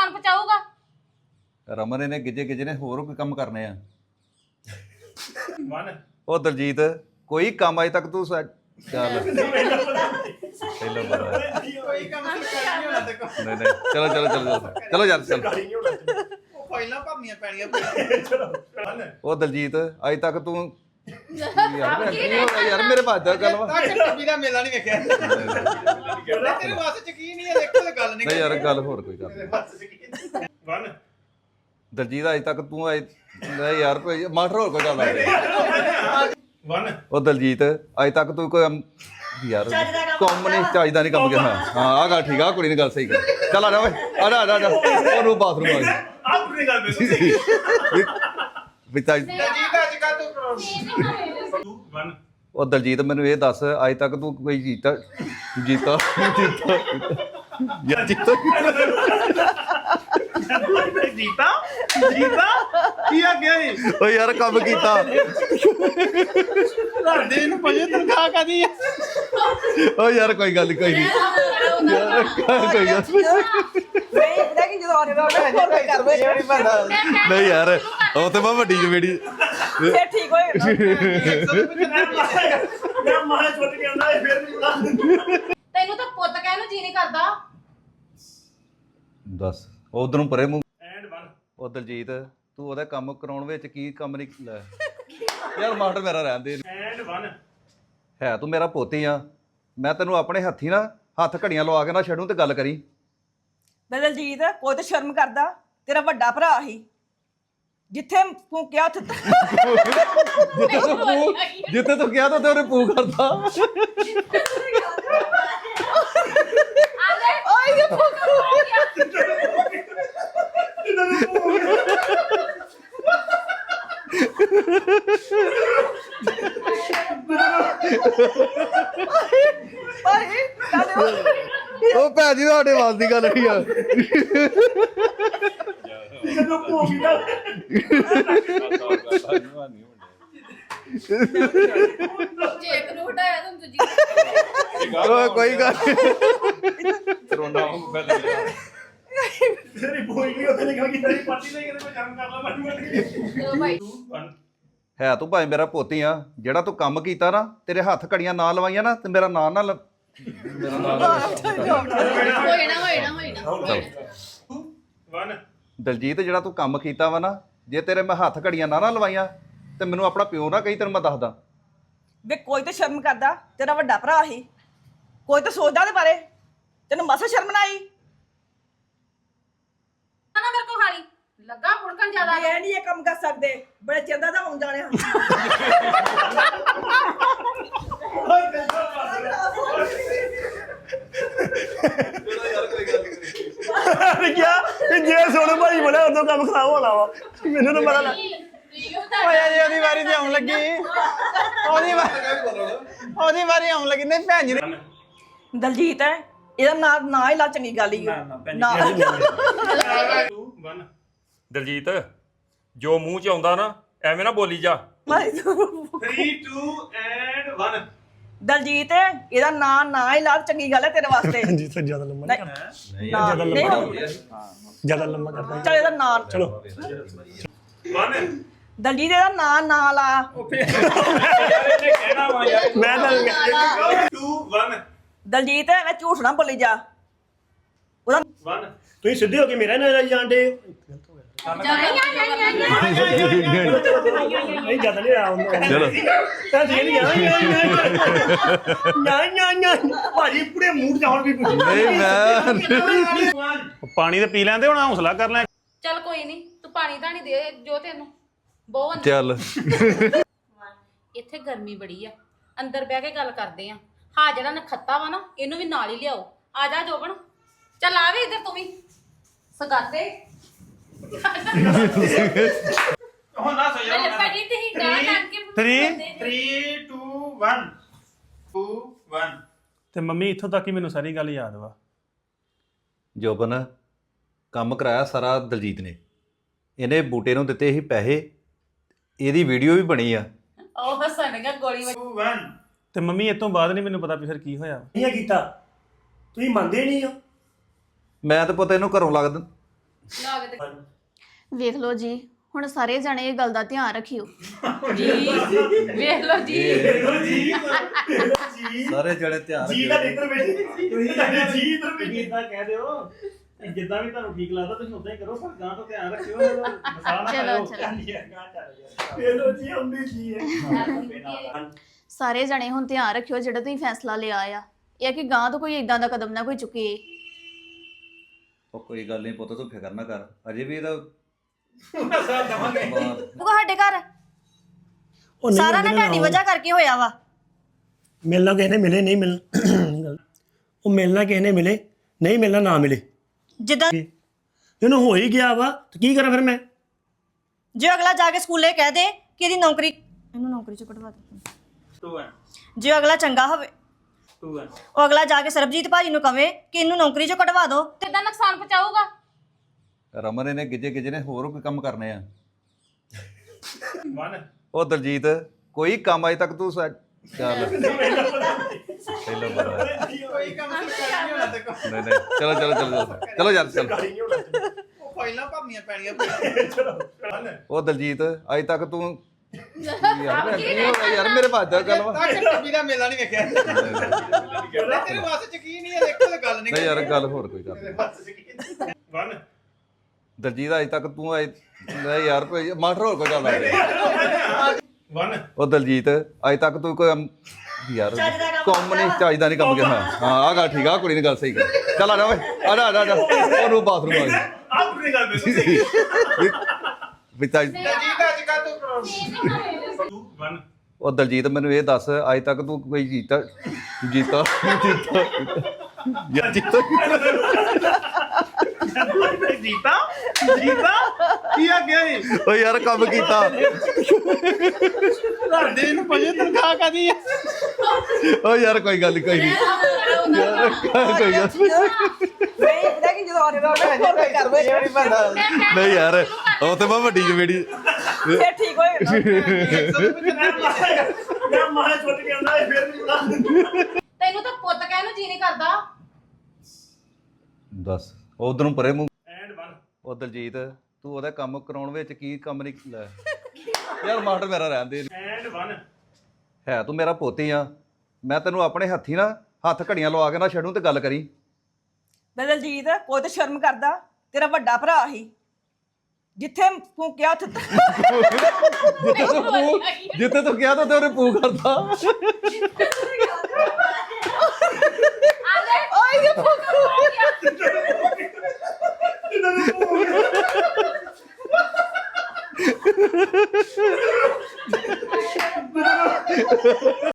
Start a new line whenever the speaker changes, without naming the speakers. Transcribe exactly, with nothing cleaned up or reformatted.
ਸਮਾਨ ਪਹੁੰਚਾਊਗਾ
ਰਮਨ ਇਹਨੇ ਗਿੱਜੇ ਗਿੱਜੇ ਨੇ ਹੋਰ ਕੋਈ ਕੰਮ ਕਰਨੇ ਆ
ਵਨ
ਉਹ ਦਲਜੀਤ ਕੋਈ ਕੰਮ ਅਜੇ ਤੱਕ ਤੂੰ ਸਾ- ਚੱਲ ਪਹਿਲਾਂ ਬੜਾ
ਕੋਈ ਕੰਮ ਨਹੀਂ ਹੋਣਾ ਤੇ
ਨਹੀਂ ਨਹੀਂ ਚਲੋ ਚਲੋ ਚਲੋ ਚਲੋ ਯਾਰ ਚਲ
ਉਹ ਫਾਈਲਾਂ ਭਰਨੀਆਂ ਪੈਣੀਆਂ
ਵਨ
ਉਹ ਦਲਜੀਤ ਅਜੇ ਤੱਕ ਤੂੰ ਯਾਰ ਕੀ ਹੋ ਗਿਆ ਯਾਰ ਮੇਰੇ ਬਾਦ ਦਾ ਗੱਲ ਵਾ
ਤਾਂ ਟੱਬੀ ਦਾ ਮੇਲਾ ਨਹੀਂ ਵੇਖਿਆ ਤੇਰੇ ਵਾਸਤੇ ਯਕੀਨ ਨਹੀਂ ਹੈ ਦੇਖੋ ਤੇ ਗੱਲ ਨਹੀਂ
ਨਹੀਂ ਯਾਰ ਗੱਲ ਹੋਰ ਕੋਈ ਕਰ
ਵਨ
ਦਲਜੀਤ ਅਜੇ ਤੱਕ ਤੂੰ ਅਜੇ ਨਹੀਂ ਯਾਰ ਕੋਈ ਮਾਸਟਰ ਹੋਰ ਕੋਈ ਗੱਲ ਆ
ਵਨ
ਉਹ ਦਲਜੀਤ ਅਜੇ ਤੱਕ ਤੂੰ ਕੋਈ ਅਮ- ਯਾਰ ਕੰਮ ਨਹੀਂ ਚਾਹੀਦਾ ਨਹੀਂ ਕੰਮ ਕਰਨਾ ਹਾਂ ਆ ਗੱਲ ਠੀਕ ਆ ਕੁੜੀ ਨੇ ਗੱਲ ਸਹੀ ਕਰ ਚੱਲ ਆ ਜਾ ਓਏ ਆ ਜਾ ਆ ਜਾ ਉਹਨੂੰ ਬਾਥਰੂਮ ਆ ਗਿਆ
ਆਹ ਪੂਰੀ ਗੱਲ ਬੇ
ਵੀ ਤਾਂ
ਦਲਜੀਤ ਅੱਜ ਕੱਲ ਤੂੰ
ਟੂ ਵਨ
ਉਹ ਦਲਜੀਤ ਮੈਨੂੰ ਇਹ ਦੱਸ ਅੱਜ ਤੱਕ ਤੂੰ ਕੋਈ ਜੀਤਾ ਜੀਤਾ ਜੀਤਾ ਯਾਰ ਜੀਤਾ
ਜੀਤਾ ਜੀਤਾ ਕੀ ਆ ਗਿਆ ਇਹ
ਓ ਯਾਰ ਕੰਮ ਕੀਤਾ
ਘਰਦੇ ਨੂੰ ਪਜੇ ਤਨਖਾਹ ਕਾਦੀ ਆ
ਓ ਯਾਰ ਕੋਈ ਗੱਲ ਨੀ, ਕੋਈ ਨਹੀਂ ਯਾਰ ਕੋਈ ਗੱਲ ਨੀ।
ਨਹੀਂ ਇਹਦਾ ਕਿ ਜਦੋਂ ਆਨੇ ਨਾਲ ਹੋਰ ਕੋਈ ਕਰ ਵੇ
ਨਹੀਂ ਯਾਰ ਉਹ ਤੇ ਮੈਂ ਵੱਡੀ ਜਵੇੜੀ
ਫੇਰ ਠੀਕ ਹੋਏਗਾ
ਮੈਂ ਮਾਰੇ ਛੁੱਟ ਕੇ ਆਉਂਦਾ ਇਹ ਫਿਰ ਨਹੀਂ
ਤੈਨੂੰ ਤਾਂ ਪੁੱਤ ਕਹਿਣ ਨੂੰ ਜੀ ਨਹੀਂ ਕਰਦਾ
ਦੱਸ ਉਧਰ ਨੂੰ ਪਰੇ ਮੂੰਹ
ਐਂਡ ਵਨ
ਉਹ ਦਲਜੀਤ ਤੂੰ ਉਹਦਾ ਕੰਮ ਕਰਾਉਣ ਵਿੱਚ ਕੀ ਕੰਮ ਨਹੀਂ ਲੈ ਯਾਰ ਮਾਸਟਰ ਮੇਰਾ ਰਹਿਣ ਦੇ
ਐਂਡ ਵਨ
ਹੈ ਤੂੰ ਮੇਰਾ ਪੋਤੀ ਆ ਮੈਂ ਤੈਨੂੰ ਆਪਣੇ ਹੱਥੀ ਨਾ ਹੱਥ ਘੜੀਆਂ ਲਵਾ ਕੇ ਨਾ ਛੱਡੂ ਤੇ ਗੱਲ ਕਰੀ
ਦਲਜੀਤ ਕੋਈ ਤਾਂ ਸ਼ਰਮ ਕਰਦਾ ਤੇਰਾ ਵੱਡਾ ਭਰਾ ਹੀ ਜਿੱਥੇ ਫੂਕਿਆ ਉੱਥੇ
ਜਿੱਥੇ ਤੂੰ ਪੂ ਜਿੱਥੇ ਤੂੰ ਕਿਹਾ ਤਾਂ ਤੇ ਉਹਨੇ ਪੂ ਕਰਦਾ
ਆਏ ਇਹ ਭਾਈ ਕਾਹਦੇ
ਉਹ ਭੈਣ ਜੀ ਤੁਹਾਡੇ ਵਾਲ ਦੀ ਗੱਲ ਨਹੀਂ ਆ
ਜਦੋਂ ਭੋਗੀ ਦਾ
ਜੇ ਇੱਕ ਨੂੰ ਹਟਾਇਆ ਤਾਂ ਦੂਜੀ
ਓਏ ਕੋਈ ਗੱਲ
ਤੇਰੀ ਭੋਗੀ ਉੱਥੇ ਨਿਕਲ ਗਈ ਤੇਰੀ ਪਾਰਟੀ ਨਹੀਂ ਕਿਤੇ ਮੈਂ ਕੰਮ ਕਰ ਲਾ ਮਾੜੀ ਮਾੜੀ
ਚਲੋ ਭਾਈ
ਟੂ ਵਨ
ਹੈ ਤੂੰ ਭਾਵੇਂ ਮੇਰਾ ਪੋਤੀ ਆ ਜਿਹੜਾ ਤੂੰ ਕੰਮ ਕੀਤਾ ਨਾ ਤੇਰੇ ਹੱਥ ਘੜੀਆਂ ਨਾ ਲਵਾਈਆਂ ਨਾ ਤੇ ਮੇਰਾ ਨਾਂ ਨਾ ਲ- ਮੇਰਾ ਨਾਂ ਨਾ
ਹੋਏ ਨਾ ਹੋਏ ਨਾ ਹੋਏ ਨਾ
ਟੂ ਵਨ
ਦਲਜੀਤ ਜਿਹੜਾ ਤੂੰ ਕੰਮ ਕੀਤਾ ਵਾ ਨਾ ਜੇ ਤੇਰੇ ਮੈਂ ਹੱਥ ਘੜੀਆਂ ਨਾ ਨਾ ਲਵਾਈਆਂ ਤੇ ਮੈਨੂੰ ਆਪਣਾ ਪਿਓ ਨਾ ਕਹੀ ਤੈਨੂੰ ਮੈਂ ਦੱਸਦਾ
ਵੇ ਕੋਈ ਤਾਂ ਸ਼ਰਮ ਕਰਦਾ ਤੇਰਾ ਵੱਡਾ ਭਰਾ ਹੀ ਕੋਈ ਤਾਂ ਸੋਚਦਾ ਉਹਦੇ ਬਾਰੇ ਤੈਨੂੰ ਮਸਾ ਸ਼ਰਮ ਨਾ ਆਈ
ਨਾ ਮੇਰੇ ਕੋ ਖਾਲੀ ਲੱਗਾ ਫੁੜਕਣ ਜ਼ਿਆਦਾ
ਇਹ ਨਹੀਂ ਇਹ ਕੰਮ ਕਰ ਸਕਦੇ ਬੜੇ ਚੰਦਾ ਦਾ ਆਉਣ ਜਾਣੇ ਹਨ
ਕਿਆ ਕਿ ਜੇ ਸੋਨੂੰ ਭਾਈ ਬੋਲਿਆ ਉਦੋਂ ਕੰਮ ਖਰਾਬ ਹੋਣਾ ਵਾ ਮੈਨੂੰ ਤਾਂ ਪਤਾ ਲੱਗ
ਓਏ ਜੀ ਉਹਦੀ ਵਾਰੀ ਤੇ ਆਉਣ ਲੱਗੀ ਉਹਦੀ ਵਾਰੀ ਉਹਦੀ ਵਾਰੀ ਆਉਣ ਲੱਗੀ ਨਹੀਂ ਭੈਣ ਜੀ ਨੇ
ਦਲਜੀਤ ਹੈ ਇਹਦਾ ਨਾਂ ਨਾ ਹੀ ਲਾ ਚੰਗੀ ਗੱਲ ਹੀ ਨਾ
ਟੂ ਵਨ
ਦਲਜੀਤ ਜੋ ਮੂੰਹ ਚ ਆਉਂਦਾ ਨਾ ਐਵੇਂ ਨਾ ਬੋਲੀ ਜਾ
three two and one
Daljit ਇਹਦਾ ਨਾਂ ਨਾ ਹੀ ਲਾ ਚੰਗੀ ਗੱਲ ਹੈ ਤੇਰੇ ਵਾਸਤੇ
ਜੀ ਤੋਂ ਜ਼ਿਆਦਾ ਲੰਮਾ
ਨਹੀਂ ਨਾ ਨਹੀਂ ਹੋਊ।
ਜ਼ਿਆਦਾ ਲੰਮਾ ਕਰਦਾ
ਚੱਲ ਇਹਦਾ ਨਾਂ
ਚਲੋ ਵਨ
ਦਲਜੀਤ ਇਹਦਾ ਨਾਂ ਨਾ ਲਾ
ਕਹਿਣਾ ਵਾ ਯਾਰ
ਮੈਂ ਤਾਂ ਟੂ ਵਨ
ਦਲਜੀਤ ਮੈਂ ਝੂਠ ਨਾ ਬੋਲੀ ਜਾ ਉਹਦਾ
ਵਨ ਤੁਸੀਂ ਸਿੱਧੇ ਹੋ ਕੇ ਮੇਰਾ ਨਾਲ ਜਾਂਦੇ ਨਹੀਂ ਜ਼ਿਆਦਾ ਨਹੀਂ ਆ
ਚਲੋ
ਤਾਂ ਠੀਕ ਨਹੀਂ ਨਾ ਨਾ ਨਾ ਭਾਜੀ ਪੂਰੇ ਮੂਡ ਚ ਹੁਣ ਵੀ
ਨਹੀਂ ਮੈਂ
ਪਾਣੀ ਤੇ ਪੀ ਲੈਂਦੇ ਹੁਣ ਹੌਸਲਾ ਕਰ ਲੈ
ਚੱਲ ਕੋਈ ਨਹੀਂ ਤੂੰ ਪਾਣੀ ਤਾਂ ਨਹੀਂ ਦੇ ਜੋ ਤੈਨੂੰ ਬਹੁਤ
ਚੱਲ
ਇੱਥੇ ਗਰਮੀ ਬੜੀ ਆ ਅੰਦਰ ਬਹਿ ਕੇ ਗੱਲ ਕਰਦੇ ਆ ਹਾਂ ਜਿਹੜਾ ਨਖੱਤਾ ਵਾ ਨਾ ਇਹਨੂੰ ਵੀ ਨਾਲ ਹੀ ਲਿਆਓ ਆ ਜਾ ਜੋਬਨ ਚੱਲ ਆ ਵੀ ਇੱਧਰ ਤੂੰ ਵੀ ਸਗਾਤੇ
ਹੁਣ ਨਾ ਸੋ
ਅਰੇ ਭਾਜੀ ਤੁਸੀਂ ਗਾਂ ਕਰਕੇ
Three,
three two one two one
ਤੇ ਮੰਮੀ ਇੱਥੋਂ ਤੱਕ ਹੀ ਮੈਨੂੰ ਸਾਰੀ ਗੱਲ ਯਾਦ ਵਾ
ਜੋਬਨ ਕੰਮ ਕਰਾਇਆ ਸਾਰਾ ਦਲਜੀਤ ਨੇ ਇਹਨੇ ਬੂਟੇ ਨੂੰ ਦਿੱਤੇ ਸੀ ਪੈਸੇ ਇਹਦੀ ਵੀਡੀਓ ਵੀ ਬਣੀ ਆ
ਉਹ ਹੱਸਣਗਾ ਗੋਲੀ ਵੱਜ
ਟੂ ਵਨ
ਤੇ ਮੰਮੀ ਇਹ ਤੋਂ ਬਾਅਦ ਨਹੀਂ ਮੈਨੂੰ ਪਤਾ ਵੀ ਫਿਰ ਕੀ ਹੋਇਆ
ਇਹ ਕੀਤਾ ਤੁਸੀਂ ਮੰਨਦੇ ਨਹੀਂ ਹੋ
ਮੈਂ ਤਾਂ ਪਤਾ ਇਹਨੂੰ ਘਰੋਂ ਲੱਗਦਾ
ਵੇਖ ਲਓ ਜੀ ਹੁਣ ਸਾਰੇ ਜਣੇ ਇਹ ਗੱਲ ਦਾ ਧਿਆਨ ਰੱਖਿਓ
ਜੀ ਵੇਖ ਲਓ ਜੀ
ਜੀ
ਸਾਰੇ ਜਣੇ ਧਿਆਨ
ਜੀ ਦਾ ਇੱਧਰ ਬੈਠੇ ਤੁਸੀਂ ਸਾਡੇ ਜੀ ਇੱਧਰ ਬੈਠੇ
ਇਦਾਂ ਕਹਿ ਦਿਓ ਜਿੱਦਾਂ ਵੀ ਤੁਹਾਨੂੰ ਠੀਕ ਲੱਗਦਾ ਤੁਸੀਂ ਉਦਾਂ ਹੀ ਕਰੋ ਪਰ ਗਾਂ ਤੋਂ ਧਿਆਨ ਰੱਖਿਓ ਮਸਾਲਾ ਨਾ
ਚਲੋ
ਖਾਓ।
ਚਲੋ
ਇਹ ਲੋ ਜੀ ਆਉਂਦੀ ਜੀ ਹੈ
ਸਾਰੇ ਜਣੇ ਹੁਣ ਧਿਆਨ ਰੱਖਿਓ ਜਿਹੜਾ ਤੁਸੀਂ ਫੈਸਲਾ ਲਿਆ ਆ ਇਹ ਆ ਕਿ ਗਾਂ ਤੋਂ ਕੋਈ ਇਦਾਂ ਦਾ ਕਦਮ ਨਾ ਕੋਈ ਚੁੱਕੇ
ਉਹ ਕੋਈ ਗੱਲ ਨਹੀਂ ਪੁੱਤ ਤੂੰ ਫਿਕਰ ਨਾ ਕਰ ਅਜੇ ਵੀ ਇਹਦਾ
ਉਹ ਸਾਡੇ ਘਰ
ਉਹ ਨਹੀਂ
ਸਾਰਾ ਨਾ ਤੁਹਾਡੀ ਵਜ੍ਹਾ ਕਰਕੇ ਹੋਇਆ ਵਾ
ਮਿਲਣਾ ਕਿਸੇ ਨੇ ਮਿਲੇ ਨਹੀਂ ਮਿਲਣਾ ਉਹ ਮਿਲਣਾ ਕਿਸੇ ਨੇ ਮਿਲੇ ਨਹੀਂ ਮਿਲਣਾ ਨਾ ਮਿਲੇ
ਜਿੱਦਾਂ
ਇਹਨੂੰ ਹੋ ਹੀ ਗਿਆ ਵਾ ਤੇ ਕੀ ਕਰਾਂ ਫਿਰ ਮੈਂ
ਜੇ ਅਗਲਾ ਜਾ ਕੇ ਸਕੂਲੇ ਕਹਿ ਦੇ ਕਿ ਇਹਦੀ ਨੌਕਰੀ ਇਹਨੂੰ ਨੌਕਰੀ ਚੋਂ ਕਢਵਾ ਦੇ
ਤੂੰ ਐ
ਜੇ ਅਗਲਾ ਚੰਗਾ ਹੋਵੇ
ਤੂੰ ਐ
ਉਹ ਅਗਲਾ ਜਾ ਕੇ ਸਰਬਜੀਤ ਭਾਜੀ ਨੂੰ ਕਵੇ ਕਿ ਇਹਨੂੰ ਨੌਕਰੀ ਚੋਂ ਕਢਵਾ ਦਿਓ
ਕਿੱਦਾਂ ਨੁਕਸਾਨ ਪਹੁੰਚਾਊਗਾ
ਰਮਨ ਇਹਨੇ ਗਿੱਜੇ ਗਿੱਜੇ ਨੇ ਹੋਰ ਕੋਈ ਕੰਮ ਕਰਨੇ ਆ
ਵਨ
ਉਹ ਦਲਜੀਤ ਕੋਈ ਕੰਮ ਅਜੇ ਤੱਕ ਤੂੰ ਸਾ- ਚੱਲ ਪਹਿਲਾਂ ਬੜਾ
ਕੋਈ ਕੰਮ ਸਰਕਾਰੀ ਨਹੀਂ ਹੋਣਾ ਤੇ
ਨਹੀਂ ਨਹੀਂ ਚਲੋ ਚਲੋ ਚਲੋ ਚਲੋ ਚਲੋ ਯਾਰ ਚਲ
ਉਹ ਫਾਈਲਾਂ ਭਰਨੀਆਂ ਪੈਣੀਆਂ
ਉਹ ਦਲਜੀਤ ਅਜੇ ਤੱਕ ਤੂੰ ਯਾਰ ਕੀ ਹੋ ਗਿਆ ਯਾਰ ਮੇਰੇ ਬਾਤ ਦਾ ਗੱਲ ਵਾ
ਤੱਕ ਟੀਵੀ ਦਾ ਮੇਲਾ ਨਹੀਂ ਵੇਖਿਆ ਤੇਰੇ ਵਾਸਤੇ ਯਕੀਨ ਨਹੀਂ ਹੈ ਦੇਖੋ ਤੇ ਗੱਲ ਨਹੀਂ
ਨਹੀਂ ਯਾਰ ਗੱਲ ਹੋਰ ਕੋਈ ਗੱਲ ਨਹੀਂ।
ਵਨ
ਦਲਜੀਤ ਅਜੇ ਤੱਕ ਤੂੰ ਅਜੇ ਨਹੀਂ ਯਾਰ ਕੋਈ ਮਾਸਟਰ ਹੋਰ ਕੋਈ ਗੱਲ ਆ
ਵਨ
ਉਹ ਦਲਜੀਤ ਅਜੇ ਤੱਕ ਤੂੰ ਕੋਈ ਅਮ- ਯਾਰ ਕੰਮ ਨਹੀਂ ਚਾਹੀਦਾ ਨਹੀਂ ਕੰਮ ਕਰਨਾ ਹਾਂ ਆਹ ਗੱਲ ਠੀਕ ਆ ਕੁੜੀ ਨੇ ਗੱਲ ਸਹੀ ਕਰ ਚੱਲ ਆ ਜਾ ਓਏ ਆ ਜਾ ਆ ਜਾ, ਆ ਜਾ ਉਹਨੂੰ ਬਾਥਰੂਮ ਆ ਗਿਆ
ਆਹ ਪੂਰੀ ਗੱਲ ਦੱਸੋ
ਵੀ ਤਾਂ
ਦਲਜੀਤ ਅੱਜ ਕੱਲ ਤੂੰ
ਵਨ
ਉਹ ਦਲਜੀਤ ਮੈਨੂੰ ਇਹ ਦੱਸ ਅੱਜ ਤੱਕ ਤੂੰ ਕੋਈ ਜੀਤਾ ਜੀਤਾ ਜੀਤਾ ਯਾਰ ਜੀਤਾ
ਜੀਤਾ ਜੀਤਾ ਕੀ ਆ ਗਿਆ ਏ
ਓ ਯਾਰ ਕੰਮ ਕੀਤਾ
ਦੇ ਨੂੰ ਪਜੇ ਤਨਖਾਹ ਕਾਦੀ ਹੈ
ਓ ਯਾਰ ਕੋਈ ਗੱਲ ਨੀ, ਕੋਈ ਨਹੀਂ ਯਾਰ ਕੋਈ ਗੱਲ ਨੀ।
ਨਹੀਂ ਇਹਦਾ ਕੀ ਜਦੋਂ ਆਰੇ ਦਾ ਕਰਵੇ
ਨਹੀਂ ਬੰਦਾ
ਨਹੀਂ ਯਾਰ ਉਹ ਤੇ ਮੈਂ ਵੱਡੀ ਜਵੇੜੀ
ਫਿਰ ਠੀਕ ਹੋਏਗਾ
ਮੈਂ ਮਾਰੇ ਛੁੱਟ ਕੇ ਆਉਂਦਾ ਫਿਰ ਨਹੀਂ ਬੁਲਾ
ਤੈਨੂੰ ਤਾਂ ਪੁੱਤ ਕਹਿਣ ਨੂੰ ਜੀ ਨਹੀਂ ਕਰਦਾ
ਦੱਸ ਉਧਰ ਨੂੰ ਪਰੇ ਮੂੰਹ
ਐਂਡ ਵਨ
ਉਹ ਦਲਜੀਤ ਤੂੰ ਉਹਦਾ ਕੰਮ ਕਰਾਉਣ ਵਿੱਚ ਕੀ ਕੰਮ ਨਹੀਂ ਲੈ ਯਾਰ ਮਾਸਟਰ ਮੇਰਾ ਰਹਿਣ ਦੇ
ਐਂਡ ਵਨ
ਹੈ ਤੂੰ ਮੇਰਾ ਪੋਤੀ ਆ ਮੈਂ ਤੈਨੂੰ ਆਪਣੇ ਹੱਥੀ ਨਾ ਹੱਥ ਘੜੀਆਂ ਲਵਾ ਕੇ ਨਾ ਛੱਡੂ ਤੇ ਗੱਲ ਕਰੀ
ਦਲਜੀਤ ਕੋਈ ਤਾਂ ਸ਼ਰਮ ਕਰਦਾ ਤੇਰਾ ਵੱਡਾ ਭਰਾ ਹੀ ਜਿੱਥੇ ਤੂੰ ਕਿਹਾ ਉੱਥੇ
ਜਿੱਥੇ ਤੂੰ ਕਿਹਾ ਤਾਂ ਤੇ ਉਹਨੇ ਪੂ ਕਰਤਾ
ਓਏ ਇਹ ਫੋਕਸ ਹੋ ਗਿਆ